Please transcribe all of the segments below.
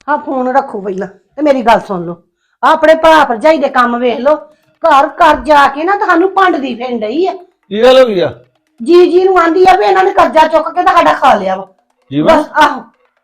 ਆ ਫੋਨ ਰੱਖੋ ਪਹਿਲਾਂ ਤੇ ਮੇਰੀ ਗੱਲ ਸੁਣ ਲਓ। ਆਪਣੇ ਭਰਾ ਭਰਜਾਈ ਦੇ ਕੰਮ ਵੇਖ ਲਓ। ਘਰ ਘਰ ਜਾ ਕੇ ਨਾ ਤੁਹਾਨੂੰ ਭੰਡਦੀ ਫਿਰਨ ਡਈ ਆ। ਕੀ ਗੱਲ ਹੋ ਗਈ ਆ? ਜੀ ਨੂੰ ਆਂਦੀ ਆ ਵੀ ਇਹਨਾਂ ਨੇ ਕਰਜ਼ਾ ਚੁੱਕ ਕੇ ਤਾਂ ਸਾਡਾ ਖਾ ਲਿਆ ਵਾ। ਜੀਵਨ ਬਸ ਆਹੋ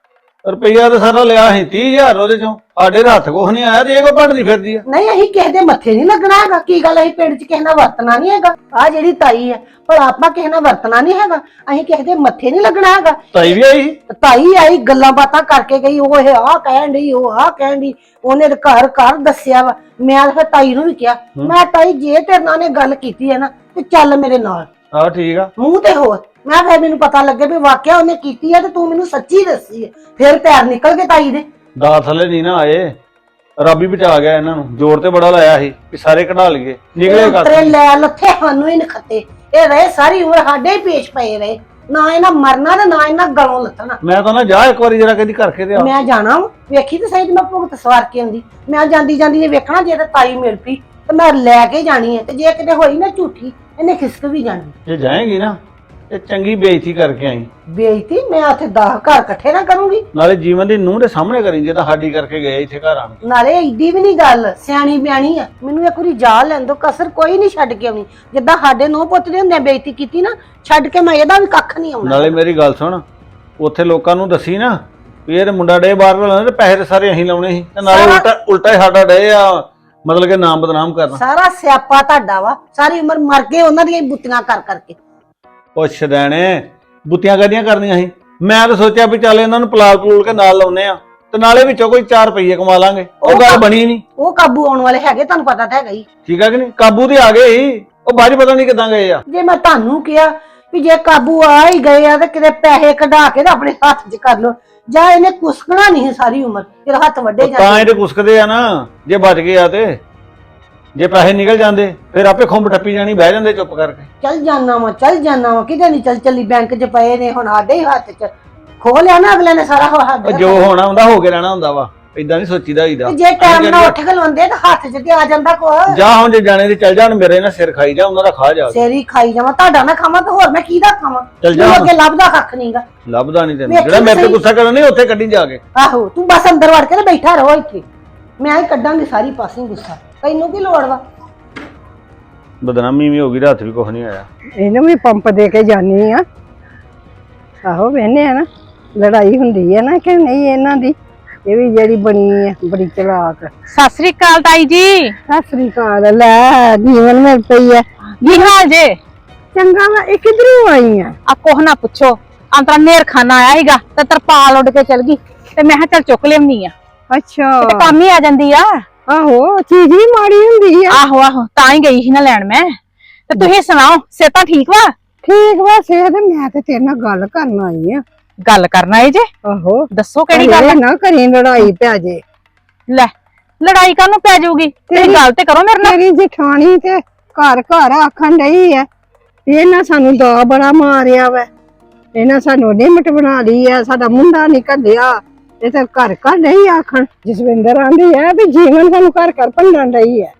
ਰੁਪਈਆ ਤਾਂ ਸਾਰਾ ਲਿਆ ਸੀ 30,000 ਉਹਦੇ ਚੋਂ। ਸਾਡੇ ਹੱਥ ਕੁਛ ਨਹੀਂ ਆਇਆ ਤੇ ਇਹ ਕੋ ਭੰਡਦੀ ਫਿਰਦੀ ਆ। ਨਹੀਂ ਅਸੀਂ ਕਿਸੇ ਦੇ ਮੱਥੇ ਨਹੀਂ ਲੱਗਣਾ ਹੈਗਾ। ਕੀ ਗੱਲ ਅਸੀਂ ਪਿੰਡ 'ਚ ਕਿਸੇ ਨਾਲ ਵਰਤਣਾ ਨਹੀਂ ਹੈਗਾ। ਆ ਜਿਹੜੀ ਤਾਈ ਹੈ ਪਰ ਆਪਾਂ ਕਿਸੇ ਨਾਲ ਵਰਤਣਾ ਨਹੀਂ ਹੈਗਾ। ਅਸੀਂ ਕਿਸੇ ਦੇ ਮੱਥੇ ਨਹੀਂ ਲੱਗਣਾ ਹੈਗਾ। ਤਾਈ ਵੀ ਆਈ? ਤਾਈ ਆਈ ਗੱਲਾਂ ਬਾਤਾਂ ਕਰਕੇ ਗਈ। ਉਹ ਇਹ ਆਹ ਕਹਿਣ ਡਈ ਉਹ ਆਹ ਕਹਿਣ ਡਈ। ਉਹਨੇ ਤੇ ਘਰ ਘਰ ਦੱਸਿਆ ਵਾ। ਮੈਂ ਫਿਰ ਤਾਈ ਨੂੰ ਵੀ ਕਿਹਾ ਮੈਂ ਤਾਈ ਜੇ ਤੇਰੇ ਨਾਲ ਨੇ ਗੱਲ ਕੀਤੀ ਹੈ ਨਾ ਤੇ ਚੱਲ ਮੇਰੇ ਨਾਲ। ਹਾਂ ਠੀਕ ਆ। ਮੂੰਹ ਤੇ ਹੋਰ ਮੈਂ ਫਿਰ ਮੈਨੂੰ ਪਤਾ ਲੱਗੇ ਵੀ ਵਾਕਿਆ ਉਹਨੇ ਕੀਤੀ ਹੈ ਤੇ ਤੂੰ ਮੈਨੂੰ ਸੱਚੀ ਦੱਸੀ ਹੈ। ਫਿਰ ਪੈਰ ਨਿਕਲ ਗਏ ਤਾਈ ਦੇ। ਦਾ ਥੱਲੇ ਨਹੀਂ ਨਾ ਆਏ। ਰੱਬ ਹੀ ਬਚਾ ਗਿਆ ਇਹਨਾਂ ਨੂੰ। ਜ਼ੋਰ ਤੇ ਬੜਾ ਲਾਇਆ ਸੀ ਕਿ ਸਾਰੇ ਕਢਾ ਲਈਏ। ਨਿਕਲੇ ਤੇਰੇ ਲੈ ਲੱਥੇ ਸਾਨੂੰ ਹੀ ਨਖੱਤੇ। ਇਹ ਰਹੇ ਸਾਰੀ ਉਮਰ ਸਾਡੇ ਹੀ ਪੇਸ਼ ਪਏ ਰਹੇ। ਨਾ ਇਹਨਾਂ ਮਰਨਾ ਤੇ ਨਾ ਇਹਨਾਂ ਗਲੋਂ ਲੱਥਣਾ। ਮੈਂ ਤਾਂ ਨਾ ਜਾ ਇੱਕ ਵਾਰੀ ਜਰਾ ਕਦੀ ਕਰਕੇ ਤੇ ਆ। ਮੈਂ ਜਾਣਾ ਵੇਖੀ ਤੇ ਸਹੀ ਤੇ ਮੈਂ ਭੁਗਤ ਸਵਾਰ ਕੇ ਆਉਂਦੀ। ਮੈਂ ਜਾਂਦੀ ਜਾਂਦੀ ਨੇ ਵੇਖਣਾ ਜੇ ਤੇ ਤਾਈ ਮਿਲ ਪਈ ਤੇ ਮੈਂ ਲੈ ਕੇ ਜਾਣੀ ਹੈ ਤੇ ਜੇ ਕਿਤੇ ਹੋਈ ਨਾ ਝੂਠੀ ਇਹਨੇ ਖਿਸਕ ਵੀ ਜਾਣੀ। ਜੇ ਜਾਏਗੀ ਨਾ ਤੇ ਚੰਗੀ ਬੇਇੱਜ਼ਤੀ ਕਰਕੇ ਆਈ। ਬੇਇੱਜ਼ਤੀ ਮੈਂ ਉੱਥੇ 10 ਘਰ ਇਕੱਠੇ ਨਾ ਕਰੂੰਗੀ। ਨਾਲੇ ਜੀਵਨ ਦੀ ਨੂੰਹ ਦੇ ਸਾਹਮਣੇ ਕਰੀ ਜੇ ਤਾਂ ਸਾਡੀ ਕਰਕੇ ਗਏ ਇੱਥੇ ਘਰ ਆਣ ਕੇ। ਨਾਲੇ ਏਡੀ ਵੀ ਨਹੀਂ ਗੱਲ ਸਿਆਣੀ ਬਿਆਣੀ ਆ। ਮੈਨੂੰ ਇੱਕ ਵਾਰੀ ਜਾ ਲੈਣ ਦੋ ਕਸਰ ਕੋਈ ਨਹੀਂ ਛੱਡ ਕੇ ਆਉਣੀ। ਜਿੱਦਾਂ ਸਾਡੇ ਨੂੰਹ ਪੁੱਤ ਦੇ ਹੁੰਦੇ ਬੇਇੱਜ਼ਤੀ ਕੀਤੀ ਨਾ ਛੱਡ ਕੇ ਮੈਂ ਇਹਦਾ ਵੀ ਕੱਖ ਨਹੀਂ ਆਉਣਾ। ਨਾਲੇ ਮੇਰੀ ਗੱਲ ਸੁਣ ਉੱਥੇ ਲੋਕਾਂ ਨੂੰ ਦੱਸੀ ਨਾ ਵੀ ਇਹ ਮੁੰਡਾ ਡੇ ਬਾਹਰ ਲਾਉਣਾ ਤੇ ਪੈਸੇ ਤੇ ਸਾਰੇ ਅਸੀਂ ਲਾਉਣੇ ਸੀ ਤੇ ਨਾਲੇ ਉਲਟਾ ਹੀ ਸਾਡਾ ਡੇ ਆ ਮਤਲਬ ਕਿ ਨਾਮ ਬਦਨਾਮ ਕਰਨਾ। ਸਾਰਾ ਸਿਆਪਾ ਤੁਹਾਡਾ ਵਾ। ਸਾਰੀ ਉਮਰ ਮਰ ਗਏ ਉਹਨਾਂ ਦੀਆਂ ਬੁੱਤੀਆਂ ਕਰ ਕਰਕੇ। ਉਹ ਛਦੈਣੇ ਬੁੱਤੀਆਂ ਕਾਹਦੀਆਂ ਕਰਨੀਆਂ ਸੀ। ਮੈਂ ਤਾਂ ਸੋਚਿਆ ਵੀ ਚੱਲ ਇਹਨਾਂ ਨੂੰ ਪਲਾਲ ਪਲੂਲ ਕੇ ਨਾਲ ਲਾਉਨੇ ਆ ਤੇ ਨਾਲੇ ਵਿੱਚੋਂ ਕੋਈ 4 ਰੁਪਏ ਕਮਾ ਲਾਂਗੇ। ਉਹ ਗੱਲ ਬਣੀ ਨਹੀਂ। ਉਹ ਕਾਬੂ ਆਉਣ ਵਾਲੇ ਹੈਗੇ ਤੁਹਾਨੂੰ ਪਤਾ ਤਾਂ ਹੈਗਾ ਹੀ। ਠੀਕ ਆ ਕਿ ਨਹੀਂ? ਕਾਬੂ ਤੇ ਆ ਗਏ ਸੀ। ਉਹ ਬਾਅਦ ਚ ਪਤਾ ਨਹੀਂ ਕਿੱਦਾਂ ਗਏ ਆ। ਜੇ ਮੈਂ ਤੁਹਾਨੂੰ ਕਿਹਾ ਵੀ ਜੇ ਕਾਬੂ ਆ ਹੀ ਗਏ ਆ ਤੇ ਕਿਤੇ ਪੈਸੇ ਕਢਾ ਕੇ ਤੇ ਆਪਣੇ ਹੱਥ 'ਚ ਕਰ ਲੋ। ਜਾਂ ਇਹਨੇ ਕੁਸਕਣਾ ਨਹੀਂ ਸਾਰੀ ਉਮਰ ਤੇਰਾ ਹੱਥ ਵੱਡੇ ਤਾਂ ਇਹਦੇ ਕੁਸਕਦੇ ਆ ਨਾ। ਜੇ ਬਚ ਗਏ ਆ ਤੇ ਜੇ ਪੈਸੇ ਨਿਕਲ ਜਾਂਦੇ ਫਿਰ ਆਪੇ ਖੁੰਬ ਟੱਪੀ ਜਾਣੀ ਬਹਿ ਜਾਂਦੇ ਚੁੱਪ ਕਰਕੇ। ਚੱਲ ਜਾਣਾ ਵਾ ਕਿਤੇ ਨਹੀਂ ਚੱਲੀ ਬੈਂਕ 'ਚ ਪਏ ਨੇ ਹੁਣ ਸਾਡੇ ਹੀ ਹੱਥ 'ਚ ਖੋ ਲਿਆ ਨਾ ਅਗਲੇ ਨੇ ਸਾਰਾ ਉਹ ਜੋ ਹੋਣਾ ਹੁੰਦਾ ਹੋ ਕੇ ਰਹਿਣਾ ਹੁੰਦਾ ਵਾ। ਏਦਾਂ ਨਹੀਂ ਸੋਚੀਦਾ ਹੋਈਦਾ। ਜੇ ਟਾਈਮ ਨਾਲ ਉੱਠ ਖਲੋਂਦੇ ਤਾਂ ਹੱਥ 'ਚ ਤੇ ਆ ਜਾਂਦਾ ਕੋ। ਜਾ ਹੁਣ ਜੇ ਜਾਣੇ ਦੇ ਚੱਲ ਜਾਣ ਮੇਰੇ ਨਾਲ ਸਿਰ ਖਾਈ ਜਾ ਉਹਨਾਂ ਦਾ ਖਾ ਜਾ। ਸਿਰ ਹੀ ਖਾਈ ਜਾਵਾਂ ਤੁਹਾਡਾ ਨਾ ਖਾਵਾਂ ਤਾਂ ਹੋਰ ਮੈਂ ਕਿਹਦਾ ਖਾਵਾਂ? ਚੱਲ ਜਾ ਅੱਗੇ ਲੱਭਦਾ ਕੱਖ ਨਹੀਂਗਾ। ਲੱਭਦਾ ਨਹੀਂ ਤੈਨੂੰ ਜਿਹੜਾ ਮੇਰੇ ਤੇ ਗੁੱਸਾ ਕਰਨਾ ਨਹੀਂ ਉੱਥੇ ਕੱਢੀ ਜਾ ਕੇ। ਆਹੋ ਤੂੰ ਬਸ ਅੰਦਰ ਵੜ ਕੇ ਤੇ ਬੈਠਾ ਰਹੋ ਇੱਥੇ। ਮੈਂ ਹੀ ਕੱਢਾਂਗੀ ਸਾਰੀ ਪਾਸੇ ਗੁੱਸਾ। ਤੈਨੂੰ ਕੀ ਲੋੜ ਵਾ? ਬਦਨਾਮੀ ਵੀ ਹੋ ਗਈ ਰਾਤ ਵੀ ਕੁਝ ਨਹੀਂ ਆਇਆ। ਇਹਨੂੰ ਵੀ ਪੰਪ ਦੇ ਕੇ ਜਾਨੀ ਆ। ਆਹੋ ਵੇਨੇ ਆ ਨਾ ਲੜਾਈ ਹੁੰਦੀ ਹੈ ਨਾ ਕਿ ਨਹੀਂ ਇਹਨਾਂ ਦੀ। ਇਹ ਵੀ ਜਿਹੜੀ ਬਣੀ ਹੈ ਬੜੀ ਚਲਾਕ। ਸਤਿ ਸ੍ਰੀ ਅਕਾਲ ਤਾਈ ਜੀ। ਸਤਿ ਸ੍ਰੀ ਅਕਾਲ। ਲੈ ਜੀਵਨ ਮਿਲ ਪਈ ਹੈ। ਕੀ ਹਾਲ ਜੇ? ਚੰਗਾ ਵਾ। ਇਹ ਕਿਧਰੋਂ ਆਈ ਆ? ਆ ਕੋਹ ਨਾ ਪੁੱਛੋ। ਅੰਤਰਾ ਨੇਰਖਾਨਾ ਆਇਆ ਸੀਗਾ ਤੇ ਤਰਪਾਲ ਉੱਡ ਕੇ ਚਲ ਗਈ ਤੇ ਮੈਂ ਕਿਹਾ ਚੱਲ ਚੁੱਕ ਲਿਆਉਣੀ ਆ। ਅੱਛਾ ਤੇ ਕੰਮ ਹੀ ਆ ਜਾਂਦੀ ਆ। ਆਹੋ ਚੀਜ਼ ਹੀ ਮਾੜੀ ਹੁੰਦੀ ਆ। ਆਹੋ ਤਾਂ ਹੀ ਗਈ ਸੀ ਨਾ ਲੈਣ ਮੈਂ। ਤੇ ਤੁਸੀਂ ਸੁਣਾਓ ਸਿਹਤਾਂ ਠੀਕ ਵਾ? ਠੀਕ ਵਾ ਸਿਹਤ। ਮੈਂ ਤੇ ਤੇਰੇ ਨਾਲ ਗੱਲ ਕਰਨ ਆਈ ਆ। ਗੱਲ ਕਰਨਾ ਏ ਜੇ? ਆਹੋ ਦੱਸੋ ਕਿਹੜੀ ਗੱਲ? ਨਾ ਕਰੀ ਲੜਾਈ ਪੈ ਜੇ। ਲੈ ਲੜਾਈ ਕਾਹਨੂੰ ਪੈ ਜਾਊਗੀ? ਤੇਰੀ ਗੱਲ ਤੇ ਕਰੋ ਮੇਰੇ ਨਾਲ। ਤੇਰੀ ਜਠਾਣੀ ਤੇ ਘਰ ਘਰ ਆਖਣ ਡਈ ਐ ਇਹਨਾਂ ਸਾਨੂੰ ਦਾ ਬੜਾ ਮਾਰਿਆ ਵਾ। ਇਹਨਾਂ ਸਾਨੂੰ ਨਿਮਟ ਬਣਾ ਲਈ ਐ। ਸਾਡਾ ਮੁੰਡਾ ਨੀ ਘੱਲਿਆ। ਇਹ ਤਾਂ ਘਰ ਘਰ ਨਹੀਂ ਆਖਣ। ਜਸਵਿੰਦਰ ਆਂਦੀ ਐ ਵੀ ਜੀਵਨ ਸਾਨੂੰ ਘਰ ਘਰ ਭੰਡਣ ਡਈ ਐ।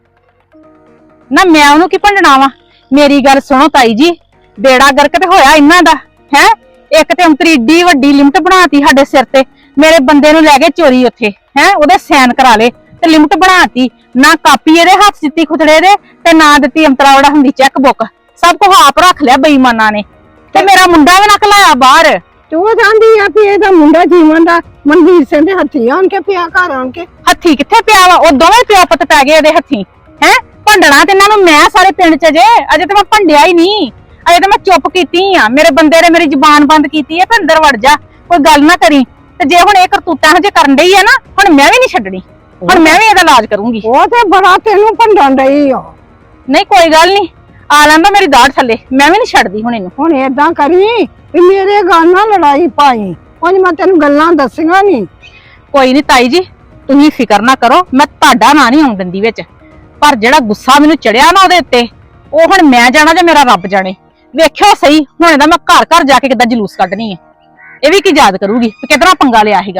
ਨਾ ਮੈਂ ਉਹਨੂੰ ਕੀ ਭੰਡਣਾ ਵਾ? ਮੇਰੀ ਗੱਲ ਸੁਣੋ ਤਾਈ ਜੀ। ਬੇੜਾ ਗਰਕ ਤੇ ਹੋਇਆ ਇਹਨਾਂ ਦਾ ਹੈ। ਇੱਕ ਤੇ ਅੰਤਰੀ ਏਡੀ ਵੱਡੀ ਲਿਮਟ ਬਣਾਤੀ ਸਾਡੇ ਸਿਰ ਤੇ। ਮੇਰੇ ਬੰਦੇ ਨੂੰ ਲੈ ਗਏ ਚੋਰੀ ਉੱਥੇ ਹੈ। ਉਹਦੇ ਸਾਈਨ ਕਰਾ ਲੇ ਤੇ ਲਿਮਟ ਬਣਾਤੀ। ਨਾ ਕਾਪੀ ਇਹਦੇ ਹੱਥ ਦਿੱਤੀ ਖੁਤੜੇ ਦੇ ਤੇ ਨਾ ਦਿੱਤੀ ਅੰਤਰਾ ਵੜਾ ਹੁੰਦੀ ਚੈੱਕ ਬੁੱਕ। ਸਭ ਕੁਝ ਆਪ ਰੱਖ ਲਿਆ ਬੇਈਮਾਨਾਂ ਨੇ ਤੇ ਮੇਰਾ ਮੁੰਡਾ ਵੀ ਨਾ ਘਲਾਇਆ ਬਾਹਰ। ਤੂੰ ਜਾਂਦੀ ਆ ਵੀ ਇਹਦਾ ਮੁੰਡਾ ਜੀਵਨ ਦਾ ਮਨਵੀਰ ਸਿੰਘ ਦੇ ਹੱਥੀ ਆਣ ਕੇ ਪਿਆ ਘਰ ਆਣ ਕੇ। ਹੱਥੀ ਕਿੱਥੇ ਪਿਆ ਵਾ? ਉਹ ਦੋਵੇਂ ਪਿਓ ਪੁੱਤ ਪੈ ਗਏ ਇਹਦੇ ਹੱਥੀ ਹੈ। ਭੰਡਣਾ ਤੇ ਇਹਨਾਂ ਨੂੰ ਮੈਂ ਸਾਰੇ ਪਿੰਡ ਚ ਅਜੇ ਤੇ ਮੈਂ ਭੰਡਿਆ ਹੀ ਨਹੀਂ। ਅਜੇ ਤਾਂ ਮੈਂ ਚੁੱਪ ਕੀਤੀ ਆ। ਮੇਰੇ ਬੰਦੇ ਨੇ ਮੇਰੀ ਜ਼ੁਬਾਨ ਬੰਦ ਕੀਤੀ ਹੈ। ਤੇ ਅੰਦਰ ਵੜ ਜਾ ਕੋਈ ਗੱਲ ਨਾ ਕਰੀ। ਤੇ ਜੇ ਹੁਣ ਇਹ ਕਰਤੂਤਾਂ ਹਜੇ ਕਰਨ ਡਈ ਆ ਨਾ ਹੁਣ ਮੈਂ ਵੀ ਨਹੀਂ ਛੱਡਣੀ। ਹੁਣ ਮੈਂ ਵੀ ਇਹਦਾ ਇਲਾਜ ਕਰੂੰਗੀ। ਉਹ ਤੇ ਬੜਾ ਤੈਨੂੰ ਭੰਡਣ ਡਈ ਆ। ਨਹੀਂ ਕੋਈ ਗੱਲ ਨਹੀਂ ਆ ਲੈਂਦਾ ਮੇਰੀ ਦਾੜ ਥੱਲੇ। ਮੈਂ ਵੀ ਨਹੀਂ ਛੱਡਦੀ ਹੁਣ ਇਹਨੂੰ। ਹੁਣ ਏਦਾਂ ਕਰੀ ਵੀ ਮੇਰੇ ਗੱਲ ਨਾਲ ਲੜਾਈ ਪਾਈ। ਹੁਣ ਮੈਂ ਤੈਨੂੰ ਗੱਲਾਂ ਦੱਸੀਆਂ ਨੀ। ਕੋਈ ਨਹੀਂ ਤਾਈ ਜੀ ਤੁਸੀਂ ਫਿਕਰ ਨਾ ਕਰੋ। ਮੈਂ ਤੁਹਾਡਾ ਨਾਂ ਨਹੀਂ ਆਉਣ ਦਿੰਦੀ ਵਿੱਚ। ਪਰ ਜਿਹੜਾ ਗੁੱਸਾ ਮੈਨੂੰ ਚੜਿਆ ਨਾ ਉਹਦੇ ਉੱਤੇ ਉਹ ਹੁਣ ਮੈਂ ਜਾਣਾ ਜਾਂ ਮੇਰਾ ਰੱਬ ਜਾਣੇ। ਵੇਖਿਓ ਸਹੀ ਹੁਣ ਇਹਦਾ ਮੈਂ ਘਰ ਘਰ ਜਾ ਕੇ ਕਿੱਦਾਂ ਜਲੂਸ ਕੱਢਣੀ ਹੈ। ਇਹ ਵੀ ਕੀ ਯਾਦ ਕਰੂਗੀ ਕਿ ਕਿਤਨਾ ਪੰਗਾ ਲਿਆ ਸੀਗਾ।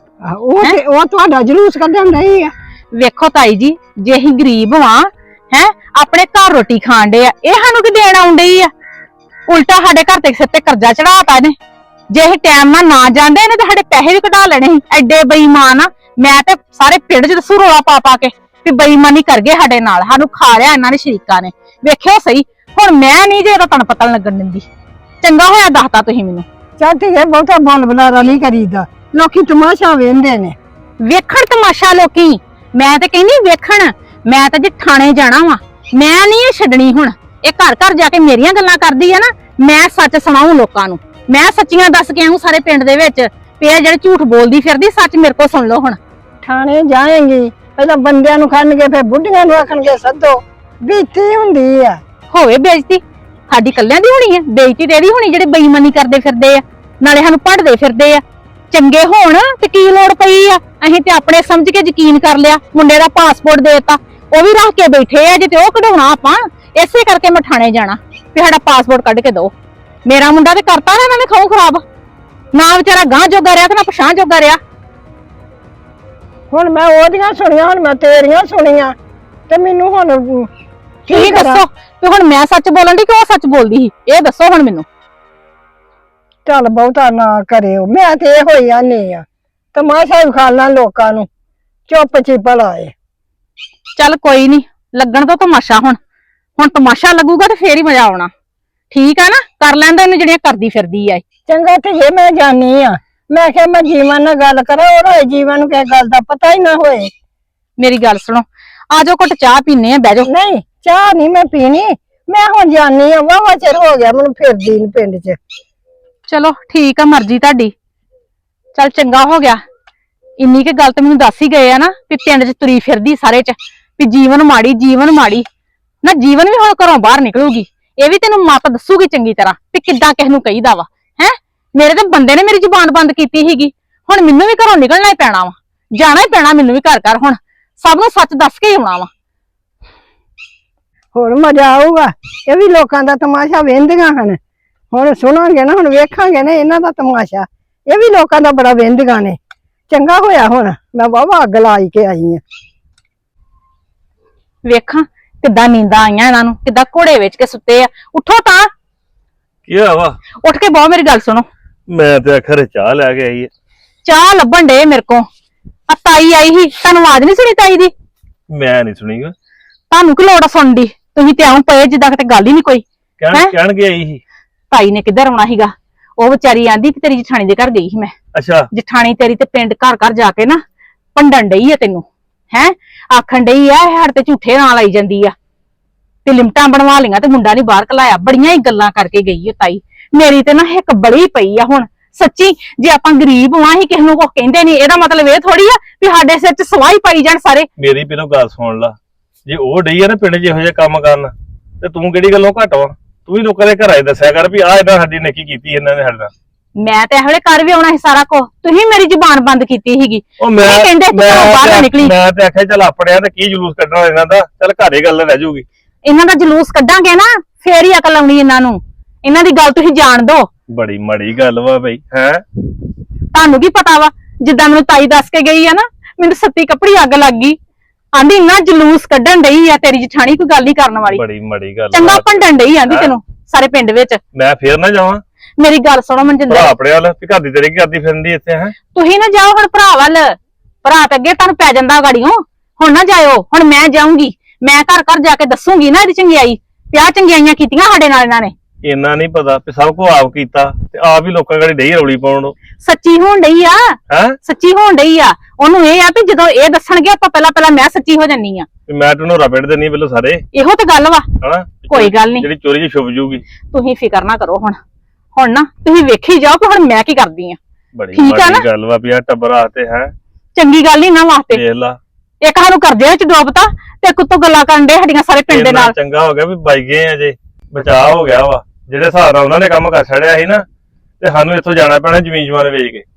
ਉਹ ਤੁਹਾਡਾ ਜਲੂਸ ਕੱਢਣ ਡਈ ਆ। ਵੇਖੋ ਤਾਈ ਜੀ ਜੇ ਅਸੀਂ ਗਰੀਬ ਵਾਂ ਹੈ ਆਪਣੇ ਘਰ ਰੋਟੀ ਖਾਣ ਡੇ ਆ ਇਹ ਸਾਨੂੰ ਕੀ ਦੇਣ ਆਉਣ ਡਈ ਆ? ਉਲਟਾ ਸਾਡੇ ਘਰ ਤੇ ਸਿਰ ਤੇ ਕਰਜ਼ਾ ਚੜਾਤਾ ਇਹਨੇ ਜੇ ਇਹ ਟਾਈਮ ਨਾਲ ਨਾ ਜਾਂਦੇ ਨੇ ਤੇ ਸਾਡੇ ਪੈਸੇ ਵੀ ਕਢਾ ਲੈਣੇ ਸੀ। ਐਡੇ ਬੇਈਮਾਨ ਆ। ਮੈਂ ਤੇ ਸਾਰੇ ਪਿੰਡ 'ਚ ਦੱਸੂ ਰੋਲਾ ਪਾ ਪਾ ਕੇ ਵੀ ਬੇਈਮਾਨੀ ਕਰ ਗਏ ਸਾਡੇ ਨਾਲ, ਸਾਨੂੰ ਖਾ ਲਿਆ ਇਹਨਾਂ ਨੇ ਸ਼ਰੀਕਾਂ ਨੇ। ਵੇਖਿਓ ਸਹੀ, ਹੁਣ ਮੈਂ ਨਹੀਂ ਜੇ ਇਹਦਾ ਤੁਹਾਨੂੰ ਪਤਾ ਨੀ ਲੱਗਣ ਦਿੰਦੀ। ਚੰਗਾ ਹੋਇਆ ਦੱਸਤਾ ਤੁਸੀਂ ਮੈਨੂੰ। ਚੱਲ ਠੀਕ ਹੈ, ਬਹੁਤਾ ਬੋਲ ਬੁਲਾਰਾ ਨਹੀਂ ਕਰੀਦਾ, ਲੋਕੀ ਤਮਾਸ਼ਾ ਵੇਖਦੇ ਨੇ। ਵੇਖਣ ਤਮਾਸ਼ਾ ਲੋਕੀ, ਮੈਂ ਤੇ ਕਹਿੰਦੀ ਵੇਖਣ। ਮੈਂ ਤਾਂ ਜੇ ਥਾਣੇ ਜਾਣਾ ਵਾ, ਮੈਂ ਨਹੀਂ ਇਹ ਛੱਡਣੀ ਹੁਣ। ਇਹ ਘਰ ਘਰ ਜਾ ਕੇ ਮੇਰੀਆਂ ਗੱਲਾਂ ਕਰਦੀ ਆ ਨਾ, ਮੈਂ ਸੱਚ ਸੁਣਾਉਂ ਲੋਕਾਂ ਨੂੰ। ਮੈਂ ਸੱਚੀਆਂ ਦੱਸ ਕੇ ਆਉਂ ਸਾਰੇ ਪਿੰਡ ਦੇ ਵਿੱਚ ਵੀ ਇਹ ਜਿਹੜੇ ਝੂਠ ਬੋਲਦੀ ਫਿਰਦੀ, ਸੱਚ ਮੇਰੇ ਕੋਲ ਸੁਣ ਲਓ ਹੁਣ। ਥਾਣੇ ਜਾਏਂਗੀ, ਪਹਿਲਾਂ ਬੰਦਿਆਂ ਨੂੰ ਖੜਨਗੇ, ਫਿਰ ਬੁੱਢੀਆਂ ਨੂੰ ਆਖਣਗੇ ਸੱਦੋ। ਬੇਇੱਜ਼ਤੀ ਹੁੰਦੀ ਆ। ਹੋਵੇ ਬੇਇੱਜ਼ਤੀ, ਸਾਡੀ ਕੱਲਿਆਂ ਦੀ ਹੋਣੀ ਹੈ ਬੇਇੱਜ਼ਤੀ? ਤੇ ਇਹਦੀ ਹੋਣੀ ਜਿਹੜੇ ਬੇਈਮਾਨੀ ਕਰਦੇ ਫਿਰਦੇ ਆ, ਨਾਲੇ ਸਾਨੂੰ ਪੜਦੇ ਫਿਰਦੇ ਆ। ਚੰਗੇ ਹੋਣ ਤੇ ਕੀ ਲੋੜ ਪਈ ਆ? ਅਸੀਂ ਤੇ ਆਪਣੇ ਸਮਝ ਕੇ ਯਕੀਨ ਕਰ ਲਿਆ। ਮੁੰਡੇ ਦਾ ਪਾਸਪੋਰਟ ਦੇਤਾ, ਉਹ ਵੀ ਰੱਖ ਕੇ ਬੈਠੇ ਆ, ਜੇ ਤੇ ਉਹ ਕਢਾਉਣਾ ਆਪਾਂ। ਇਸੇ ਕਰਕੇ ਮੈਂ ਥਾਣੇ ਜਾਣਾ ਵੀ ਸਾਡਾ ਪਾਸਪੋਰਟ ਕੱਢ ਕੇ ਦਿਓ। ਮੇਰਾ ਮੁੰਡਾ ਤੇ ਕਰਤਾ ਨਾ ਇਹਨਾਂ ਨੇ ਖਾਉ ਖਰਾਬ, ਨਾ ਵਿਚਾਰਾ ਗਾਂ ਜੋਗਾ ਰਿਹਾ ਤੇ ਨਾ ਪਛਾਣ ਜੋਗਾ ਰਿਹਾ। ਹੁਣ ਮੈਂ ਉਹਦੀਆਂ ਸੁਣੀਆਂ, ਹੁਣ ਮੈਂ ਤੇਰੀਆਂ ਸੁਣੀਆਂ, ਤੇ ਮੈਨੂੰ ਹੁਣ ਤੁਸੀਂ ਦੱਸੋ ਵੀ ਹੁਣ ਮੈਂ ਸੱਚ ਬੋਲਣ ਦੀ ਕਿ ਉਹ ਸੱਚ ਬੋਲਦੀ ਸੀ? ਇਹ ਦੱਸੋ ਹੁਣ ਮੈਨੂੰ। ਚੱਲ ਬਹੁਤਾ ਨਾ ਕਰਿਓ, ਮੈਂ ਤੇ ਇਹੋ ਹੀ ਆਨੀ ਆ, ਤਮਾਸ਼ਾ ਵਿਖਾਲਣਾ ਲੋਕਾਂ ਨੂੰ, ਚੁੱਪ ਚੀਪ ਲਾਏ। ਚੱਲ ਕੋਈ ਨਹੀਂ, ਲੱਗਣ ਤੋਂ ਤਮਾਸ਼ਾ। ਹੁਣ ਤਮਾਸ਼ਾ ਲੱਗੂਗਾ ਤੇ ਫੇਰ ਹੀ ਮਜ਼ਾ ਆਉਣਾ। ਠੀਕ ਆ ਨਾ? ਕਰ ਲੈਂਦਾ ਇਹਨੂੰ ਜਿਹੜੀਆਂ ਕਰਦੀ ਫਿਰਦੀ ਆ। ਚੰਗਾ ਧੀਏ, ਮੈਂ ਜਾਣੀ ਆ। ਮੈਂ ਕਿਹਾ ਮੈਂ ਜੀਵਨ ਨਾਲ ਗੱਲ ਕਰਾਂ, ਉਹਦਾ ਜੀਵਨ ਨੂੰ ਕਿਸੇ ਗੱਲ ਦਾ ਪਤਾ ਹੀ ਨਾ ਹੋਏ। ਮੇਰੀ ਗੱਲ ਸੁਣੋ, ਆ ਜਾਓ ਘੁੱਟ ਚਾਹ ਪੀਨੇ ਆ, ਬਹਿ ਜਾਓ। ਨਹੀਂ, ਚਾਹ ਨਹੀਂ ਮੈਂ ਪੀਣੀ, ਮੈਂ ਹੁਣ ਜਾਣੀ ਆ। ਵਾਵਾ ਚਿਰ ਹੋ ਗਿਆ ਮੈਨੂੰ ਫਿਰਦੀ ਨੂੰ ਪਿੰਡ 'ਚ। ਚਲੋ ਠੀਕ ਆ, ਮਰਜ਼ੀ ਤੁਹਾਡੀ। ਚੱਲ ਚੰਗਾ ਹੋ ਗਿਆ, ਇੰਨੀ ਕੁ ਗੱਲ ਤੇ ਮੈਨੂੰ ਦੱਸ ਹੀ ਗਏ ਆ ਨਾ ਵੀ ਪਿੰਡ 'ਚ ਤੁਰੀ ਫਿਰਦੀ ਸਾਰੇ 'ਚ ਵੀ ਜੀਵਨ ਮਾੜੀ, ਜੀਵਨ ਮਾੜੀ। ਨਾ ਜੀਵਨ ਵੀ ਹੁਣ ਘਰੋਂ ਬਾਹਰ ਨਿਕਲੂਗੀ, ਇਹ ਵੀ ਤੈਨੂੰ ਮੱਤ ਦੱਸੂਗੀ ਚੰਗੀ ਤਰ੍ਹਾਂ ਵੀ ਕਿੱਦਾਂ ਕਿਸ ਨੂੰ ਕਹੀਦਾ ਵਾ। ਹੈ ਮੇਰੇ ਤਾਂ ਬੰਦੇ ਨੇ ਮੇਰੀ ਜ਼ੁਬਾਨ ਬੰਦ ਕੀਤੀ ਸੀਗੀ, ਹੁਣ ਮੈਨੂੰ ਵੀ ਘਰੋਂ ਨਿਕਲਣਾ ਹੀ ਪੈਣਾ ਵਾ, ਜਾਣਾ ਹੀ ਪੈਣਾ ਮੈਨੂੰ ਵੀ ਘਰ ਘਰ। ਹੁਣ ਸਭ ਨੂੰ ਸੱਚ ਦੱਸ ਕੇ ਹੀ ਆਉਣਾ ਵਾ। ਹੁਣ ਮਜ਼ਾ ਆਊਗਾ, ਇਹ ਵੀ ਲੋਕਾਂ ਦਾ ਤਮਾਸ਼ਾ ਵੇਖਦੀਆਂ ਹਨ। ਹੁਣ ਸੁਣਾਂਗੇ ਨਾ, ਹੁਣ ਵੇਖਾਂਗੇ ਨਾ ਇਹਨਾਂ ਦਾ ਤਮਾਸ਼ਾ। ਇਹ ਵੀ ਲੋਕਾਂ ਦਾ ਬੜਾ ਵੇਖਦੀਆਂ ਨੇ। ਚੰਗਾ ਹੋਇਆ ਹੁਣ ਮੈਂ ਵਾਵਾ ਅੱਗ ਲਾਈ ਕੇ ਆਈ ਆ। ਵੇਖਾਂ ਕਿੱਦਾਂ ਨੀਂਦਾਂ ਆਈਆਂ ਇਹਨਾਂ ਨੂੰ, ਕਿੱਦਾਂ ਘੋੜੇ ਵੇਚ ਕੇ ਸੁੱਤੇ ਆ। ਉੱਠੋ ਤਾਂ, ਕੀ ਹੋਇਆ ਵਾ? ਉੱਠ ਕੇ ਬਹੁ, ਮੇਰੀ ਗੱਲ ਸੁਣੋ। ਮੈਂ ਤੇ ਆਖਰ ਚਾਹ ਲੈ ਕੇ ਆਈ ਹੈ। ਚਾਹ ਲੱਭਣ ਡੇ ਮੇਰੇ ਕੋ। ਆ ਤਾਈ ਆਈ ਸੀ, ਤੁਹਾਨੂੰ ਆਵਾਜ਼ ਨਹੀਂ ਸੁਣੀ ਤਾਈ ਦੀ? ਮੈਂ ਨਹੀਂ ਸੁਣੀ ਗਾ। ਤੁਹਾਨੂੰ ਕੀ ਲੋੜ ਆ ਸੁਣਨ ਦੀ? ਤੁਸੀਂ ਤੇ ਆਉਂ ਪਏ ਜਿੱਦਾਂ ਕਿਤੇ ਗੱਲ ਹੀ ਨਹੀਂ ਕੋਈ। ਕਹਿਣ ਕੇ ਆਈ ਸੀ। ਤਾਈ ਨੇ ਕਿੱਧਰ ਆਉਣਾ ਸੀਗਾ? ਉਹ ਵਿਚਾਰੀ ਆਂਦੀ ਕਿ ਤੇਰੀ ਜਠਾਣੀ ਦੇ ਘਰ ਗਈ ਸੀ ਮੈਂ। ਅੱਛਾ। ਜਠਾਣੀ ਤੇਰੀ ਤੇ ਪਿੰਡ ਘਰ ਘਰ ਜਾ ਕੇ ਨਾ ਭੰਡਣ ਡਈ ਆ ਤੈਨੂੰ। ਹੈ ਆਖਣ ਡਈ ਆ ਇਹ ਸਾਡੇ ਤੇ ਝੂਠੇ ਨਾਂ ਲਾਈ ਜਾਂਦੀ ਆ ਤੇ ਲਿਮਟਾਂ ਬਣਵਾ ਲਈਆਂ ਤੇ ਮੁੰਡਾ ਨਹੀਂ ਬਾਹਰ ਕਲਾਇਆ। ਬੜੀਆਂ ਹੀ ਗੱਲਾਂ ਕਰਕੇ ਗਈ ਉਹ ਤਾਈ। ਮੇਰੀ ਤੇ ਨਾ ਇੱਕ ਬੜੀ ਪਈ ਆ ਹੁਣ ਸੱਚੀ। ਜੇ ਆਪਾਂ ਗਰੀਬ ਵਾਂ ਹੀ ਕਿਸੇ ਨੂੰ ਕੁਝ ਕਹਿੰਦੇ ਨਹੀਂ, ਇਹਦਾ ਮਤਲਬ ਇਹ ਥੋੜੀ ਆ ਵੀ ਸਾਡੇ ਸਿਰ 'ਚ ਸਵਾਈ ਪਾਈ ਜਾਣ ਸਾਰੇ। ਮੇਰੀ ਪਹਿਲਾਂ ਗੱਲ ਸੁਣ ਲਾ, ਜੇ ਉਹ ਡਈ ਆ ਨਾ ਪਿੰਡ 'ਚ ਇਹੋ ਜਿਹੇ ਕੰਮ ਕਰਨ, ਤੇ ਤੂੰ ਕਿਹੜੀ ਗੱਲੋਂ ਘੱਟ ਵਾ? ਤੂੰ ਵੀ ਲੋਕਾਂ ਦੇ ਘਰਾਂ 'ਚ ਦੱਸਿਆ ਕਰ ਵੀ ਆਹ ਇਹਨਾਂ ਸਾਡੀ ਨੇਕੀ ਕੀਤੀ ਇਹਨਾਂ ਨੇ ਸਾਡੇ ਨਾਲ। ਮੈਂ ਤੇ ਇਹੋ ਜਿਹੇ ਘਰ ਵੀ ਆਉਣਾ ਸੀ ਸਾਰਾ ਕੁਝ। ਤੁਸੀਂ ਮੇਰੀ ਜ਼ੁਬਾਨ ਬੰਦ ਕੀਤੀ ਸੀਗੀ। ਉਹ ਮੈਂ ਕਹਿੰਦੇ ਤੂੰ ਬਾਹਰ ਨਾ ਨਿਕਲੀ। ਮੈਂ ਤੇ ਆਖਿਆ ਚੱਲ ਆਪਣਿਆਂ ਤੇ ਕੀ ਜਲੂਸ ਕੱਢਣਾ ਇਹਨਾਂ ਦਾ, ਚੱਲ ਘਰੇ ਗੱਲ ਰਹਿ ਜਾਊਗੀ। ਇਹਨਾਂ ਦਾ ਜਲੂਸ ਕੱਢਾਂਗੇ ਨਾ ਫੇਰ ਹੀ ਅਕਲ ਆਉਣੀ ਇਹਨਾਂ ਨੂੰ। ਇਹਨਾਂ ਦੀ ਗੱਲ ਤੁਸੀਂ ਜਾਣ ਦੋ। ਬੜੀ ਮਾੜੀ ਗੱਲ ਵਾ ਬਈ। ਹੈ ਤੁਹਾਨੂੰ ਕੀ ਪਤਾ ਵਾ? ਜਿੱਦਾਂ ਮੈਨੂੰ ਤਾਈ ਦੱਸ ਕੇ ਗਈ ਆ ਨਾ, ਮੈਨੂੰ ਸੱਤੀ ਕੱਪੜੀ ਅੱਗ ਲੱਗ ਗਈ। ਆਂਦੀ ਇੰਨਾ ਜਲੂਸ ਕੱਢਣ ਡਈ ਆ ਤੇਰੀ ਜਠਾਣੀ, ਕੋਈ ਗੱਲ ਹੀ ਕਰਨ ਵਾਲੀ। ਬੜੀ ਮਾੜੀ ਗੱਲ। ਚੰਗਾ ਭੰਡਣ ਡਈ ਆਂਦੀ ਤੈਨੂੰ ਸਾਰੇ ਪਿੰਡ ਵਿੱਚ। ਮੈਂ ਫੇਰ ਨਾ ਜਾਵਾਂ? ਮੇਰੀ ਗੱਲ ਸੁਣੋ ਮਨਜਿੰਦਰ, ਭਰਾ ਆਪਣੇ ਵੱਲ ਵੀ ਘਰ ਦੀ ਤੇਰੀ ਕੀ ਕਰਦੀ ਫਿਰਦੀ ਇੱਥੇ? ਹੈ ਤੁਸੀਂ ਨਾ ਜਾਓ ਹੁਣ ਭਰਾ ਵੱਲ। ਭਰਾ ਤੇ ਅੱਗੇ ਤੁਹਾਨੂੰ ਪੈ ਜਾਂਦਾ ਗਾੜੀਓ। ਹੁਣ ਨਾ ਜਾਇਓ, ਹੁਣ ਮੈਂ ਜਾਊਂਗੀ। ਮੈਂ ਘਰ ਘਰ ਜਾ ਕੇ ਦੱਸੂਗੀ ਨਾ ਇਹਦੀ ਚੰਗਿਆਈ, ਪਿਆ ਚੰਗਿਆਈਆਂ ਕੀਤੀਆਂ ਸਾਡੇ ਨਾਲ ਇਹਨਾਂ ਨੇ। ਇੰਨਾ ਨਹੀਂ ਪਤਾ ਵੀ ਸਭ ਕੁਝ ਆਪ ਕੀਤਾ ਤੇ ਆਪ ਹੀ ਲੋਕਾਂ ਗਾੜੀ ਡਈ ਰੌਲੀ ਪਾਉਣ। ਸੱਚੀ ਹੋਣ ਡਈ ਆ। ਹੈ ਸੱਚੀ ਹੋਣ ਡਈ ਆ। ਉਹਨੂੰ ਇਹ ਆ ਵੀ ਜਦੋਂ ਇਹ ਦੱਸਣਗੇ ਆਪਾਂ ਪਹਿਲਾਂ ਮੈਂ ਸੱਚੀ ਹੋ ਜਾਨੀ ਆ। ਮੈਂ ਤੈਨੂੰ ਰਪੜ ਦੇਣੀ ਪਹਿਲਾਂ ਸਾਰੇ। ਇਹੋ ਤੇ ਗੱਲ ਵਾ। ਹਨਾ ਕੋਈ ਗੱਲ ਨਹੀਂ, ਜਿਹੜੀ ਚੋਰੀ 'ਚ ਛੁਪ ਜੂਗੀ। ਤੁਸੀਂ ਫਿਕਰ ਨਾ ਕਰੋ। ਹੁਣ ਨਾ ਤੁਸੀਂ ਵੇਖੀ ਜਾਓ ਕਿ ਹੁਣ ਮੈਂ ਕੀ ਕਰਦੀ ਆ। ਬੜੀ ਠੀਕ ਆ ਨਾ? ਮਾੜੀ ਗੱਲ ਵਾ ਵੀ ਆ ਟੱਬਰ ਆਤੇ ਹੈ। ਚੰਗੀ ਗੱਲ ਨਹੀਂ ਨਾ ਵਾਸਤੇ। ਦੇਖ ਲਾ, ਇੱਕ ਸਾਨੂੰ ਕਰਜ਼ੇ ਵਿੱਚ ਡੋਬਤਾ ਤੇ ਕੁੱਤੋਂ ਗੱਲਾਂ ਕਰਨ ਦੇ ਸਾਡੀਆਂ ਸਾਰੇ ਪਿੰਡ ਦੇ ਇੰਨਾ ਨਾਲ। ਚੰਗਾ ਹੋ ਗਿਆ ਵੀ ਬਾਈ ਗਏ ਆ ਜੇ, ਬਚਾਅ ਹੋ ਗਿਆ ਵਾ। ਜਿਹੜੇ ਹਿਸਾਬ ਨਾਲ ਉਹਨਾਂ ਨੇ ਕੰਮ ਕਰ ਛੜਿਆ ਸੀ ਨਾ, ਤੇ ਸਾਨੂੰ ਇੱਥੋਂ ਜਾਣਾ ਪੈਣਾ ਜ਼ਮੀਨ ਜਮਾਨ ਵੇਚ ਕੇ।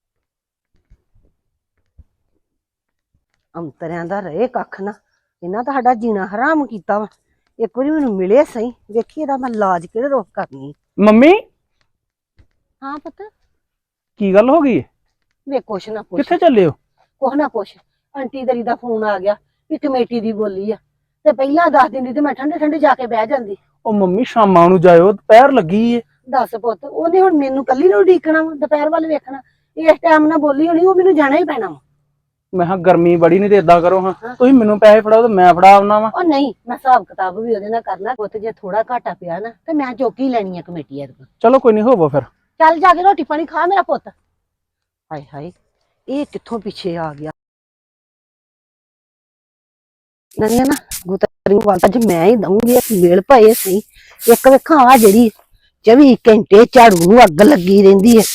ਅੰਤਰਿਆਂ ਦਾ ਰਹੇ ਕੱਖ ਨਾ, ਇਹਨਾਂ ਤਾਂ ਸਾਡਾ ਜੀਣਾ ਹਰਾਮ ਕੀਤਾ ਵਾ। ਇੱਕ ਵਾਰੀ ਮੈਨੂੰ ਮਿਲੇ ਸਹੀ, ਵੇਖੀ ਇਹਦਾ ਮੈਂ ਇਲਾਜ ਕਿਹੜੇ ਰੋਕ ਕਰਨੀ। ਮੰਮੀ ਹਾਂ ਪੁੱਤ, ਕੀ ਗੱਲ ਹੋ ਗਈ? ਵੇ ਕੁਛ ਨਾ ਪੁੱਛ, ਕਿੱਥੇ ਚੱਲੇ ਹੋ? ਕੁਛ ਨਾ ਪੁੱਛ। ਆਂਟੀ ਤੇਰੀ ਦਾ ਫੋਨ ਆ ਗਿਆ ਵੀ ਕਮੇਟੀ ਦੀ ਬੋਲੀ ਆ, ਤੇ ਪਹਿਲਾਂ ਦੱਸ ਦਿੰਦੀ ਤੇ ਮੈਂ ਠੰਡੇ ਠੰਡੇ ਜਾ ਕੇ ਬਹਿ ਜਾਂਦੀ। ਉਹ ਮੰਮੀ ਸ਼ਾਮਾਂ ਨੂੰ ਜਾਇਓ, ਦੁਪਹਿਰ ਲੱਗੀ ਏ। ਦੱਸ ਪੁੱਤ, ਉਹਨੇ ਹੁਣ ਮੈਨੂੰ ਕੱਲੀ ਨੂੰ ਉਡੀਕਣਾ ਵਾ, ਦੁਪਹਿਰ ਵੱਲ ਵੇਖਣਾ। ਇਸ ਟਾਈਮ ਨਾਲ ਬੋਲੀ ਹੋਣੀ, ਉਹ ਮੈਨੂੰ ਜਾਣਾ ਹੀ ਪੈਣਾ ਵਾ। ਮੈਂ ਕਿਹਾ ਗਰਮੀ ਬੜੀ ਨਹੀਂ ਤੇ ਏਦਾਂ ਕਰੋ ਹਾਂ, ਤੁਸੀਂ ਮੈਨੂੰ ਪੈਸੇ ਫੜਾਓ ਤੇ ਮੈਂ ਫੜਾ ਆਉਣਾ ਵਾ। ਉਹ ਨਹੀਂ, ਮੈਂ ਹਿਸਾਬ ਕਿਤਾਬ ਵੀ ਉਹਦੇ ਨਾਲ ਕਰਨਾ ਪੁੱਤ। ਜੇ ਥੋੜਾ ਘਾਟਾ ਪਿਆ ਨਾ ਤੇ ਮੈਂ ਚੌਕੀ ਲੈਣੀ ਆ ਕਮੇਟੀ ਐਤਕੀ। ਚਲੋ ਕੋਈ ਨਹੀਂ, ਹੋਵੋ ਫਿਰ। ਚੱਲ ਜਾ ਕੇ ਰੋਟੀ ਪਾਣੀ ਖਾ ਮੇਰਾ ਪੁੱਤ। ਹਾਏ ਹਾਏ, ਇਹ ਕਿੱਥੋਂ ਪਿੱਛੇ ਆ ਗਿਆ। ਨਹੀਂ ਨਾ ਗੁੱਤਰੀ ਵਾਲ ਅੱਜ ਮੈਂ ਹੀ ਦਊਂਗੀ, ਇੱਕ ਵੇਲ ਪਏ ਸਹੀ। ਇੱਕ ਵੇਖਾਂ ਆ ਜਿਹੜੀ 24 ਘੰਟੇ ਝਾੜੂ ਨੂੰ ਅੱਗ ਲੱਗੀ ਰਹਿੰਦੀ ਹੈ।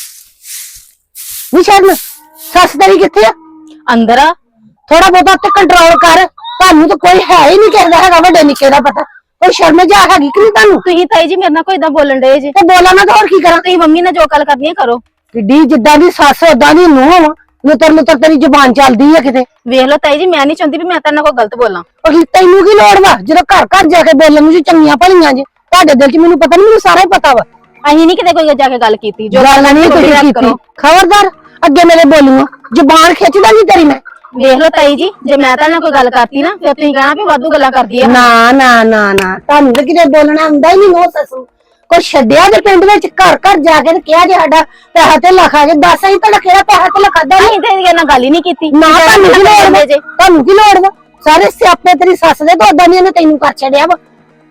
ਨੀ ਸ਼ਰਨ, ਸੱਸ ਤੇਰੀ ਕਿੱਥੇ ਆ? ਅੰਦਰ ਆ। ਥੋੜਾ ਬਹੁਤਾ ਤੇ ਕੰਟਰੋਲ ਕਰ। ਤੁਹਾਨੂੰ ਤਾਂ ਕੋਈ ਹੈ ਹੀ ਨਹੀਂ ਕਹਿੰਦਾ ਹੈਗਾ ਵੱਡੇ ਨਿੱਕੇ ਦਾ ਪਤਾ। ਕੋਈ ਸ਼ਰਮ ਜਾ ਹੈਗੀ ਕਿ ਨਹੀਂ ਤੁਹਾਨੂੰ? ਤੁਸੀਂ ਤਾਈ ਜੀ ਮੇਰੇ ਨਾਲ ਕੋਈ ਇਦਾਂ ਬੋਲਣ ਡਏ ਜੇ। ਤੇ ਬੋਲਾਂ ਨਾ ਤਾਂ ਹੋਰ ਕੀ ਕਰਾਂ? ਤੁਸੀਂ ਮੰਮੀ ਨਾਲ ਜੋ ਗੱਲ ਕਰਨੀ ਹੈ ਕਰੋ। ਕਿੱਡੀ ਜਿੱਦਾਂ ਦੀ ਸੱਸ ਓਦਾਂ ਦੀ ਨੂੰਹ ਵਾ। ਲੁੱਤਰ ਤੇਰੀ ਜ਼ੁਬਾਨ ਚੱਲਦੀ ਹੈ ਕਿਤੇ। ਵੇਖ ਲਓ ਤਾਈ ਜੀ, ਮੈਂ ਨਹੀਂ ਚਾਹੁੰਦੀ ਵੀ ਮੈਂ ਤੇਰੇ ਨਾਲ ਕੋਈ ਗਲਤ ਬੋਲਾਂ। ਉਹ ਤੈਨੂੰ ਕੀ ਲੋੜ ਵਾ ਜਦੋਂ ਘਰ ਘਰ ਜਾ ਕੇ ਬੋਲਣ ਨੂੰ ਜੀ ਚੰਗੀਆਂ ਭਲੀਆਂ ਜੇ। ਤੁਹਾਡੇ ਦਿਲ 'ਚ ਮੈਨੂੰ ਪਤਾ ਨਹੀਂ, ਮੈਨੂੰ ਸਾਰਾ ਹੀ ਪਤਾ ਵਾ। ਅਸੀਂ ਨਹੀਂ ਕਿਤੇ ਕੋਈ ਜਾ ਕੇ ਗੱਲ ਕੀਤੀ। ਜੋ ਗੱਲ ਨਹੀਂ ਤੁਸੀਂ ਕੀਤੀ, ਖਬਰਦਾਰ ਅੱਗੇ ਮੇਰੇ ਬੋਲੂਗਾ। ਜ਼ੁਬਾਨ ਖਿੱਚਦਾ ਨਹੀਂ ਤੇਰੀ ਮੈਂ। ਵੇਖ ਲਓ ਤਾਈ ਜੀ, ਜੇ ਮੈਂ ਤੇਰੇ ਨਾਲ ਕੋਈ ਗੱਲ ਕਰਤੀ ਨਾ ਫਿਰ ਤੁਸੀਂ ਕਹਿਣਾ ਵੀ ਵਾਧੂ ਗੱਲਾਂ ਕਰਦੀ ਆ। ਨਾ ਨਾ ਨਾ ਨਾ, ਤੁਹਾਨੂੰ ਤਾਂ ਕਿਤੇ ਬੋਲਣਾ ਆਉਂਦਾ ਹੀ ਨਹੀਂ। ਨੋ ਸੱਸੂ ਕੋਈ ਛੱਡਿਆ ਤੇ ਪਿੰਡ ਵਿੱਚ ਘਰ ਘਰ ਜਾ ਕੇ ਤੇ ਕਿਹਾ ਜੇ ਸਾਡਾ ਪੈਸਾ ਤੇ ਲਖਾ ਕੇ ਦੱਸ। ਅਸੀਂ ਤੁਹਾਡਾ ਕਿਹੜਾ ਪੈਸਾ ਤੇ ਲਖਾਦਾ ਨਹੀਂ? ਅਸੀਂ ਤੇ ਇਹਦੇ ਨਾਲ ਗੱਲ ਹੀ ਨਹੀਂ ਕੀਤੀ। ਨਾ ਤੁਹਾਨੂੰ ਕੀ ਲੋੜ ਵਾ? ਤੁਹਾਨੂੰ ਕੀ ਲੋੜ ਵਾ? ਸਾਰੇ ਸਿਆਪੇ ਤੇਰੀ ਸੱਸ ਦੇ ਤੋਂ ਓਦਾਂ ਦੀਆਂ ਨੇ ਤੈਨੂੰ ਕਰ ਛੱਡਿਆ ਵਾ।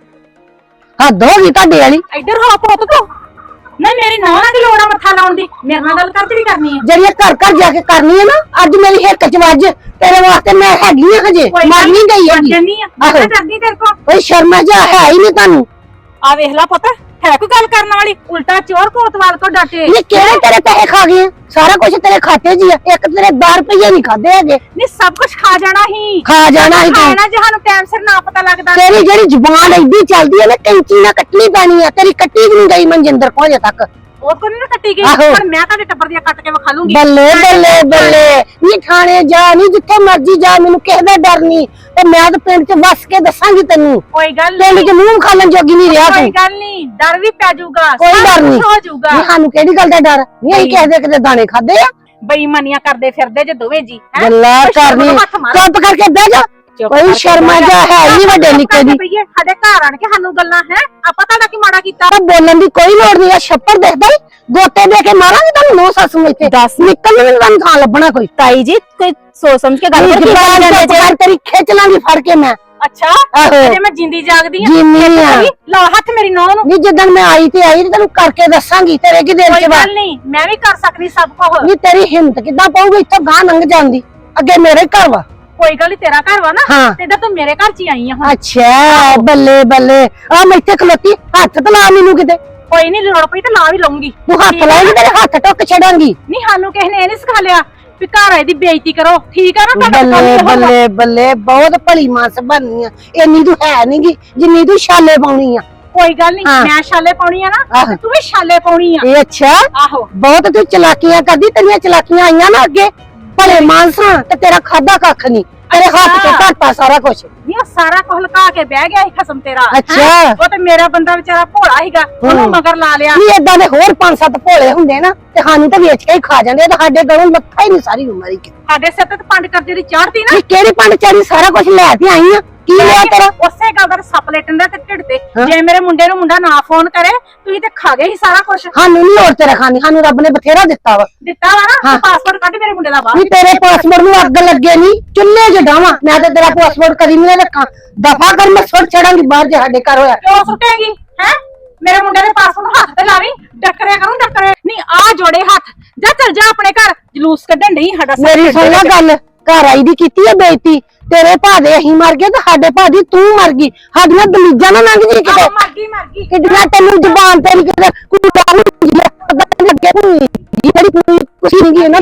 ਹੱਦ ਹੋ ਗਈ ਤੁਹਾਡੇ ਵਾਲੀ। ਇੱਧਰ ਹੋ ਪੁੱਤ ਤੂੰ। ਨਹੀਂ ਮੇਰੀ ਨੌਂ ਨਾਲ ਕੀ ਲੋੜ ਆ ਮੱਥਾ ਲਾਉਣ ਦੀ? ਮੇਰੇ ਨਾਲ ਗੱਲ ਕਰ ਜਿਹੜੀ ਕਰਨੀ ਹੈ। ਜਿਹੜੀ ਘਰ ਘਰ ਜਾ ਕੇ ਕਰਨੀ ਹੈ ਨਾ, ਅੱਜ ਮੇਰੀ ਹਿੱਕ ਚ ਵੱਜ। ਤੇਰੇ ਵਾਸਤੇ ਮੈਂ ਹੈਗੀ ਆ ਹਜੇ, ਮਰ ਨਹੀਂ ਗਈ ਹੈਗੀ। ਕਰਦੀ ਤੇਰੇ ਕੋਲ ਕੋਈ ਸ਼ਰਮਾ ਜਾ ਹੈ ਹੀ ਨਹੀਂ ਤੁਹਾਨੂੰ। ਆ ਵੇਖ ਲੈ ਪੁੱਤ, ਹੈ ਕੋਈ ਗੱਲ ਕਰਨ ਵਾਲੀ? ਉਲਟਾ ਚੋਰ ਕੋਤਵਾਲ ਕੋ ਡਾਟੇ। ਇਹ ਕਿਹੜੇ ਤੇਰੇ ਪੈਸੇ ਖਾ ਗਏ? ਸਾਰਾ ਕੁਝ ਤੇਰੇ ਖਾਤੇ 'ਚ ਹੀ ਆ। ਇੱਕ ਤੇਰੇ 10 ਰੁਪਏ ਨਹੀਂ ਖਾਦੇ ਹੈਗੇ। ਨਹੀਂ ਸਭ ਕੁਝ ਖਾ ਜਾਣਾ ਹੀ। ਖਾ ਜਾਣਾ ਹੀ ਤੂੰ। ਖਾਣਾ ਜੇ ਸਾਨੂੰ ਟਾਈਮ ਸਿਰ ਨਾ ਪਤਾ ਲੱਗਦਾ। ਤੇਰੀ ਜਿਹੜੀ ਜ਼ੁਬਾਨ ਐਡੀ ਚੱਲਦੀ ਹੈ ਨਾ, ਕੈਂਚੀ ਨਾਲ ਕੱਟਣੀ ਪੈਣੀ ਆ। ਤੇਰੀ ਕੱਟੀ ਵੀ ਨਹੀਂ ਗਈ ਮਨਜਿੰਦਰ ਕੋਲ ਅਜੇ ਤੱਕ। ਉਹ ਕੋਈ ਨਹੀਂ ਕੱਟੀ ਗਈ, ਆਹੋ। ਪਰ ਮੈਂ ਤੁਹਾਡੇ ਟੱਬਰ ਦੀਆਂ ਕੱਟ ਕੇ ਵਿਖਾ ਲੂੰਗੀ। ਬੱਲੇ ਬੱਲੇ ਬੱਲੇ, ਨੀ ਥਾਣੇ ਜਾ, ਨੀ ਜਿੱਥੇ ਮਰਜੀ ਜਾ, ਮੈਨੂੰ ਕਿਸੇ ਦਾ ਡਰ ਨਹੀਂ। ਤੇ ਮੈਂ ਤਾਂ ਪਿੰਡ 'ਚ ਵਸ ਕੇ ਦੱਸਾਂਗੀ ਤੈਨੂੰ। ਕੋਈ ਗੱਲ ਪਿੰਡ 'ਚ ਮੂੰਹ ਖਾਲਣ ਜੋਗੀ ਨਹੀਂ ਰਿਹਾ ਕੋਈ ਤੂੰ। ਗੱਲ ਨਹੀਂ, ਡਰ ਵੀ ਪੈ ਜਾਊਗਾ। ਕੋਈ ਡਰ ਨਹੀਂ ਹੋ ਜਾਊਗਾ। ਨੀ ਸਾਨੂੰ ਕਿਹੜੀ ਗੱਲ ਦਾ ਡਰ? ਨਹੀਂ ਅਸੀਂ ਕਿਸੇ ਦੇ ਕਿਤੇ ਦਾਣੇ ਖਾਦੇ ਆ। ਬੇਈਮਾਨੀਆਂ ਕਰਦੇ ਫਿਰਦੇ ਜੇ ਦੋਵੇਂ ਜੀ। ਗੱਲਾਂ ਕਰਨੀ, ਚੁੱਪ ਕਰਕੇ ਬਹਿ ਜਾ। ਕੋਈ ਸ਼ਰਮਾ ਜਾ ਹੈ ਨਹੀਂ ਵੱਡੇ ਨਿੱਕੇ ਦੀ। ਸਾਡੇ ਘਰ ਆਣ ਕੇ ਸਾਨੂੰ ਗੱਲਾਂ ਹੈ, ਆਪਾਂ ਤੁਹਾਡਾ ਕੀ ਮਾੜਾ ਕੀਤਾ? ਤਾਂ ਬੋਲਣ ਦੀ ਕੋਈ ਲੋੜ ਨਹੀਂ ਆ। ਛੱਪੜ ਦੇਖਦਾ ਹੀ ਗੋਤੇ ਦੇ ਕੇ ਮਾਰਾਂਗੇ ਤੁਹਾਨੂੰ। ਨੋ ਸੱਸ ਨੂੰ ਇੱਥੇ ਦੱਸ ਨਿਕਲ ਮੈਨੂੰ ਤੁਹਾਨੂੰ ਥਾਂ ਲੱਭਣਾ ਕੋਈ। ਤਾਈ ਜੀ ਕੋਈ ਸੋਚ ਸਮਝ ਕੇ ਗੱਲ ਕਰੋ। ਤੇਰੀ ਖਿੱਚ ਲਾਂਗੀ ਫੜ ਕੇ ਮੈਂ। ਅੱਛਾ ਆਹੋ। ਜੇ ਮੈਂ ਜਿੰਦੀ ਜਾਗਦੀ ਆ ਜਿੰਨੀ ਆ। ਲਾ ਹੱਥ ਮੇਰੀ ਨੌਂ ਨੂੰ। ਨਹੀਂ ਜਿੱਦਣ ਮੈਂ ਆਈ ਤੇ ਤੈਨੂੰ ਕਰਕੇ ਦੱਸਾਂਗੀ। ਤੇਰੇ ਕੀ ਦਿਲ ਕੋਈ ਚ ਵਾ? ਗੱਲ ਨਹੀਂ, ਮੈਂ ਵੀ ਕਰ ਸਕਦੀ ਸਭ ਕੁਝ। ਨਹੀਂ ਤੇਰੀ ਹਿੰਮਤ ਕਿੱਦਾਂ ਪਊਗੀ ਇੱਥੋਂ ਗਾਂ ਲੰਘ ਜਾਂਦੀ? ਅੱਗੇ ਮੇਰੇ ਘਰ ਵਾ। ਕੋਈ ਗੱਲ ਨੀ, ਤੇਰਾ ਘਰ ਵਾ ਨਾ ਹਾਂ। ਤੇ ਇਦਾਂ ਤੂੰ ਮੇਰੇ ਘਰ ਚ ਹੀ ਆਈ ਆ ਹੁਣ। ਅੱਛਾ ਬੱਲੇ ਬੱਲੇ, ਆ ਮੈਂ ਇੱਥੇ ਖਲੋਤੀ, ਹੱਥ ਤੇ ਲਾ ਮੈਨੂੰ ਕਿਤੇ। ਕੋਈ ਨਹੀਂ, ਲੋੜ ਪਈ ਤੇ ਲਾ ਵੀ ਲਊਂਗੀ। ਤੂੰ ਹੱਥ ਲਾਏਂਗੀ ਤੇਰੇ ਹੱਥ ਟੁੱਕ ਛੱਡਾਂਗੀ। ਨਹੀਂ ਸਾਨੂੰ ਕਿਸੇ ਨੇ ਇਹ ਨਹੀਂ ਸਿਖਾ ਲਿਆ ਵੀ ਘਰ ਆਏ ਦੀ ਬੇਇੱਜ਼ਤੀ ਕਰੋ, ਠੀਕ ਆ ਨਾ? ਤੁਹਾਡਾ ਕੰਮ ਬੱਲੇ ਇਹੋ ਵਾ। ਬੱਲੇ ਬੱਲੇ, ਬਹੁਤ ਭਲੀ ਮਾਨਸ ਬਣਨੀ ਆ। ਇੰਨੀ ਤੂੰ ਹੈ ਨਹੀਂਗੀ ਜਿੰਨੀ ਤੂੰ ਛਾਲੇ ਪਾਉਣੀ ਆ। ਕੋਈ ਗੱਲ ਨਹੀਂ, ਹਾਂ। ਮੈਂ ਛਾਲੇ ਪਾਉਣੀ ਆ ਨਾ ਆਹੋ। ਤੇ ਤੂੰ ਵੀ ਛਾਲੇ ਪਾਉਣੀ ਆ। ਇਹ ਅੱਛਾ, ਆਹੋ ਬਹੁਤ ਤੂੰ ਚਲਾਕੀਆਂ ਕਰਦੀ। ਤੇਰੀਆਂ ਚਲਾਕੀਆਂ ਆਈਆਂ ਨਾ ਅੱਗੇ ਭਲੇ ਮਾਨਸਾਂ ਤੇ ਤੇਰਾ ਖਾਦਾ ਕੱਖ ਨਹੀਂ। ਤੇਰੇ ਹੱਥ ਤੇ ਘਾਟਾ ਸਾਰਾ ਕੁਝ। ਨਹੀਂ ਉਹ ਸਾਰਾ ਕੁਝ ਲੁਕਾ ਕੇ ਬਹਿ ਗਿਆ ਸੀ ਖਸਮ ਤੇਰਾ। ਅੱਛਾ। ਹੈਂ? ਉਹ ਤੇ ਮੇਰਾ ਬੰਦਾ ਵਿਚਾਰਾ ਭੋਲਾ ਸੀਗਾ, ਉਹਨੂੰ ਮਗਰ ਲਾ ਲਿਆ। ਨਹੀਂ ਏਦਾਂ ਦੇ ਹੋਰ 5-7 ਭੋਲੇ ਹੁੰਦੇ ਨਾ ਤੇ ਸਾਨੂੰ ਤਾਂ ਵੇਚ ਕੇ ਹੀ ਖਾ ਜਾਂਦੇ। ਤੇ ਸਾਡੇ ਗਲੋਂ ਲੱਥਾ ਹੀ ਨਹੀਂ ਸਾਰੀ ਉਮਰ ਹੀ। ਸਾਡੇ ਸਿਰ ਤੇ ਪੰਡ ਕਰਜੇ ਦੀ ਚਾੜਤੀ ਨਾ। ਨਹੀਂ ਕਿਹੜੀ ਪੰਡ ਚਾੜੀ? ਸਾਰਾ ਕੁਝ ਲੈ ਕੇ ਆਈ ਆ। ਕੀ ਲਿਆ ਤੇਰਾ? ਉਸੇ ਗੱਲ ਦਾ ਸੱਪ ਲੇਟਣ ਦਾ ਤੇ ਢਿੱਡ ਤੇ। ਹਾਂ। ਜੇ ਮੇਰੇ ਮੁੰਡੇ ਨੂੰ ਮੁੰਡਾ ਨਾ ਫੋਨ ਕਰੇ ਤੁਸੀਂ ਤੇ ਖਾ ਗਏ ਸੀ ਸਾਰਾ ਕੁਝ। ਸਾਨੂੰ ਨਹੀਂ ਲੋੜ ਤੇਰਾ ਖਾਣੀ, ਸਾਨੂੰ ਰੱਬ ਨੇ ਬਥੇਰਾ ਦਿੱਤਾ ਵਾ। ਦਿੱਤਾ ਵਾ ਨਾ, ਹਾਂ। ਪਾਸਪੋਰਟ ਕੱਢ ਮੇਰੇ ਮੁੰਡੇ ਦਾ ਬਾਹਰ। ਨਹੀਂ ਤੇਰੇ ਪਾਸਪੋਰਟ ਨੂੰ ਅੱਗ ਲੱਗੇ ਨਹੀਂ, ਚੁੱਲ੍ਹੇ 'ਚ ਡਾਵਾਂ। ਮੈਂ ਤਾਂ ਤੇਰਾ ਪਾਸਪੋਰਟ ਕਦੀ ਨਹੀਂ ਰੱਖਾਂ। ਦਫਾ ਕਰ, ਮੈਂ ਸੁੱਟ ਛੜਾਂਗੀ ਬਾਹਰ ਜੇ ਸਾਡੇ ਘਰ ਹੋਇਆ। ਕਿਉਂ ਸੁੱਟੇਗੀ ਹੈ? ਮੇਰੇ ਮੁੰਡੇ ਦੇ ਪਾਸਪੋਰਟ ਨੂੰ ਹੱਥ ਤੇ ਲਾਵੀਂ, ਡੱਕਰਿਆ ਕਰੂੰ ਡੱਕਰੇ। ਨਹੀਂ ਆ ਜੋੜੇ ਹੱਥ, ਜਾ ਚੱਲ ਜਾ ਆਪਣੇ ਘਰ। ਜਲੂਸ ਕੱਢਣ ਨਹੀਂ ਸਾਡਾ ਸਿਰ ਮੇਰੀ ਸੁਣ ਲੈ ਗੱਲ, ਘਰ ਆਈ ਦੀ ਕੀਤੀ ਹੈ ਬੇਇੱਜ਼ਤੀ। ਤੇਰੇ ਭਾ ਦੇ ਅਸੀਂ ਮਰ ਗਏ ਤੇ ਸਾਡੇ ਭਾ ਦੀ ਤੂੰ ਮਰ ਗਈ। ਸਾਡੀਆਂ ਦਲੀਜਾਂ ਨਾ ਲੰਘ ਜੀ ਕਿਤੇ। ਮਰ ਗਈ ਕਿੱਡੀਆਂ ਤੈਨੂੰ ਜ਼ੁਬਾਨ ਤੇ ਨਹੀਂ ਕਿਤੇ ਕੁੜਾ ਹੁੰਦੀ ਹੈ। ਅੱਗੇ ਨਹੀਂ ਜਿਹੜੀ ਕੋਈ ਕੁਛ ਨਹੀਂ ਗਈ ਨਾ।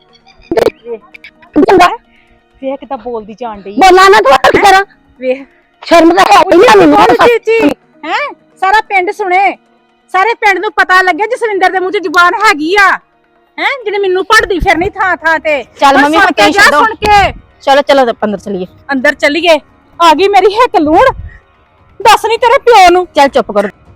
ਚੰਗਾ ਵੇਖ ਕਿਦਾਂ ਬੋਲਦੀ ਜਾਣ ਡਈ। ਬੋਲਾਂ ਨਾ ਤੂੰ ਕੀ ਕਰਾਂ? ਵੇਖ ਸ਼ਰਮ ਤਾਂ ਹੈ ਹੀ ਨਹੀਂ ਮੈਨੂੰ। ਜੀ ਹੈ ਸਾਰਾ ਪਿੰਡ ਸੁਣੇ, ਸਾਰੇ ਪਿੰਡ ਨੂੰ ਪਤਾ ਲੱਗਿਆ ਜਸਵਿੰਦਰ ਦੇ ਮੂੰਹ 'ਚ ਜ਼ੁਬਾਨ ਹੈਗੀ ਆ। ਹੈ ਜਿਹੜੀ ਮੈਨੂੰ ਪੜਦੀ ਫਿਰਨੀ ਥਾਂ ਥਾਂ ਤੇ। ਚੱਲ ਮੰਮੀ ਸੁਣ ਹੁਣ ਕੇ ਜਾ, ਛੱਡੋ। ਸੁਣ ਕੇ ਚਲੋ ਚਲੋ ਅੰਦਰ ਚਲੀਏ। ਅੰਦਰ ਚੱਲੀਏ। ਆ ਗਈ ਮੇਰੀ ਹਿੱਕ ਲੂਣ। ਦੱਸ ਨਹੀਂ ਤੇਰੇ ਪਿਓ ਨੂੰ। ਚੱਲ ਚੁੱਪ ਕਰੋ।